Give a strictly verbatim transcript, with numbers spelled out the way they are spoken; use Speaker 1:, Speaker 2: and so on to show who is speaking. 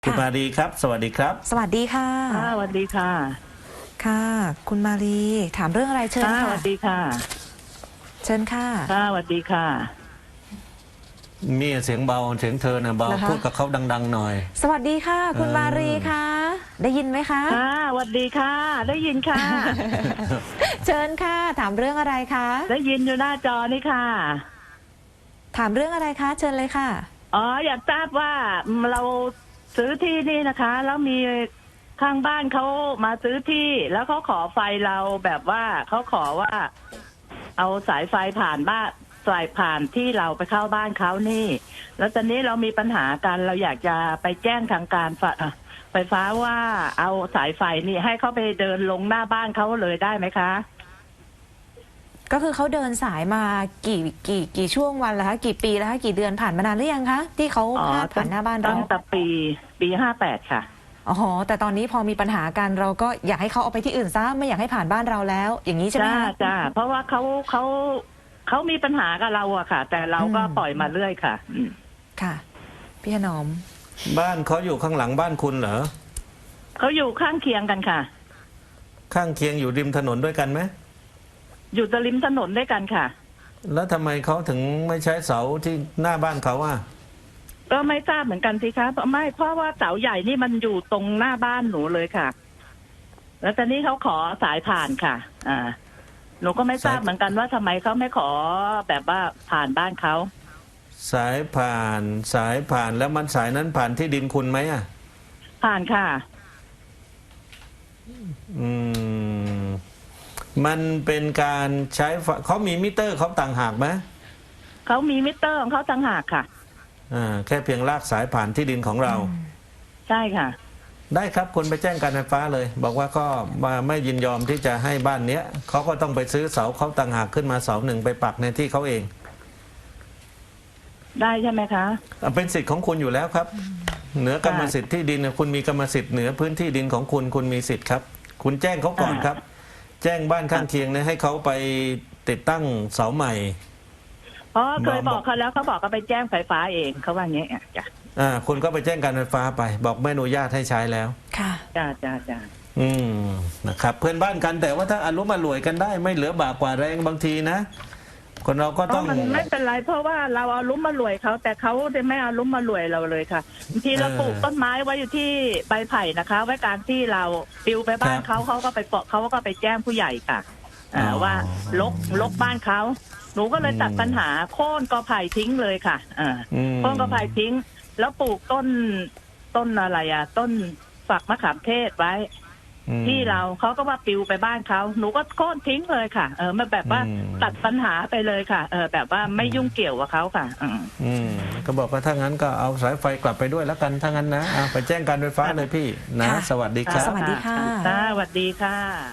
Speaker 1: คุณมารีครับสวัสดีครับ
Speaker 2: สวัสดีค่ะ
Speaker 3: ค่ะสวัสดีค่ะ
Speaker 2: ค่ะ คุณมารีถามเรื่องอะไรเชิญค่ะ
Speaker 3: สวัสดีค่ะ
Speaker 2: เชิญค่ะ
Speaker 3: ค่ะสวัสดีค่ะ
Speaker 1: มีเสียงเบาเสียงเธอนะเบาพูดกับเขาดังๆหน่อย
Speaker 2: สวัสดีค่ะ คุณมารีค่ะได้ยินไหมคะ
Speaker 3: ค่ะสวัสดีค่ะ ได้ยินค่ะ
Speaker 2: เชิญค่ะถามเรื่องอะไรคะ
Speaker 3: ได้ยินอยู่หน้าจอนี่ค่ะ
Speaker 2: ถามเรื่องอะไรคะเชิญเลยค่ะ
Speaker 3: อ๋ออยากทราบว่าเราซื้อที่นี่นะคะแล้วมีข้างบ้านเขามาซื้อที่แล้วเขาขอไฟเราแบบว่าเขาขอว่า เอาสายไฟผ่านบ้านสายผ่านที่เราไปเข้าบ้านเขานี่แล้วตอนนี้เรามีปัญหากันเราอยากจะไปแจ้งทางการไฟฟ้าว่าเอาสายไฟนี่ให้เขาไปเดินลงหน้าบ้านเขาเลยได้ไหมคะ
Speaker 2: ก็คือเขาเดินสายมากี่กี่กี่ช่วงวันแล้วคะกี่ปีแล้วคะกี่เดือนผ่านมานานหรือยังคะที่เขาพาดผ่านหน้าบ้านเรา
Speaker 3: ตั้งแต่ปีปีห้าแปดค่ะ
Speaker 2: อ๋อแต่ตอนนี้พอมีปัญหากันเราก็อยากให้เขาเอาไปที่อื่นซะไม่อยากให้ผ่านบ้านเราแล้ว อย่างนี้ใช่ไหมคะ
Speaker 3: จ้าจ้าเพราะว่าเขาเขาเขามีปัญหากับเราอะค่ะ แต่เราก็ปล่อยมาเรื่อยค่ะ
Speaker 2: ค่ะพี่ถนอม
Speaker 1: บ้านเขาอยู่ข้างหลังบ้านคุณเหรอ
Speaker 3: เขาอยู่ข้างเคียงกันค่ะ
Speaker 1: ข้างเคียงอยู่ริมถนนด้วยกันไหม
Speaker 3: อยู่ตริมถนนด้วยกันค่ะ
Speaker 1: แล้วทำไมเขาถึงไม่ใช้เสาที่หน้าบ้านเขาอ่ะ
Speaker 3: ก็ไม่ทราบเหมือนกันสิคะไม่เพราะว่าเสาใหญ่นี่มันอยู่ตรงหน้าบ้านหนูเลยค่ะแล้วตอนนี้เขาขอสายผ่านค่ะอ่าหนูก็ไม่ทราบเหมือนกันว่าทำไมเขาไม่ขอแบบว่าผ่านบ้านเขา
Speaker 1: สายผ่านสายผ่านแล้วมันสายนั้นผ่านที่ดินคุณไหมอ่ะ
Speaker 3: ผ่านค่ะ
Speaker 1: อืมมันเป็นการใช้เขามีมิเตอร์เขาต่างหากไหม
Speaker 3: เขามีมิเตอร์ของเขาต่างหากค่ะ
Speaker 1: อ่าแค่เพียงลากสายผ่านที่ดินของเรา
Speaker 3: ใช่ค่ะ
Speaker 1: ได้ครับคุณไปแจ้งการไฟฟ้าเลยบอกว่าก็มาไม่ยินยอมที่จะให้บ้านเนี้ยเขาก็ต้องไปซื้อเสาเขาต่างหากขึ้นมาเสาหนึ่งไปปักในที่เขาเอง
Speaker 3: ได้ใช่ไหมคะ
Speaker 1: เป็นสิทธิ์ของคุณอยู่แล้วครับเหนือกรรมสิทธิ์ที่ดินคุณมีกรรมสิทธิ์เหนือพื้นที่ดินของคุณคุณมีสิทธิ์ครับคุณแจ้งเขาก่อนครับแจ้งบ้านข้างเคียงเนี่ยให้เขาไปติดตั้งเสาใหม่
Speaker 3: เพราะเคยบอกเขาแล้วเขาบอกเขาไปแจ้งไฟฟ้าเองเขาว่าอย่างนี้จ้ะ
Speaker 1: อ่าคุณก็ไปแจ้งการไฟฟ้าไปบอกไม่อนุญาตให้ใช้แล้ว
Speaker 2: ค่ะ
Speaker 3: จ้าจ้าจ้า
Speaker 1: อืมนะครับเพื่อนบ้านกันแต่ว่าถ้าอารมณ์มารวยกันได้ไม่เหลือบากกว่าแรงบางทีนะคนเราก็ต้อง
Speaker 3: มันไม่เป็นไรเพราะว่าเราเอาลุ้มมารวยเขาแต่เขาไม่เอาลุ้มมารวยเราเลยค่ะบางทีเราปลูกต้นไม้ไว้อยู่ที่ใบไผ่นะคะ ไว้การที่เราปิวไปบ้านเขาเขาก็ไปเปาะเขาก็ไปแจ้งผู้ใหญ่ค่ะอ่าว่าลกลกบ้านเขาหนูก็เลยตัดปัญหาโค่นกอไผ่ทิ้งเลยค่ะอ่าโค่นกอไผ่ทิ้งแล้วปลูกต้นต้นอะไรอ่ะต้นฝักมะขามเทศไว้ที่เราเขาก็ว่าปิวไปบ้านเขาหนูก็โค่นทิ้งเลยค่ะเออมาแบบว่าตัดปัญหาไปเลยค่ะเออแบบว่าไม่ยุ่งเกี่ยวกับเขาค่ะ
Speaker 1: อืมก็บอกว่าถ้างั้นก็เอาสายไฟกลับไปด้วยแล้วกันถ้างั้นนะไปแจ้งการไฟฟ้าเลยพี่นะสวัสดีครับ
Speaker 2: สวัสดีค่ะ
Speaker 3: สวัสดีค่ะ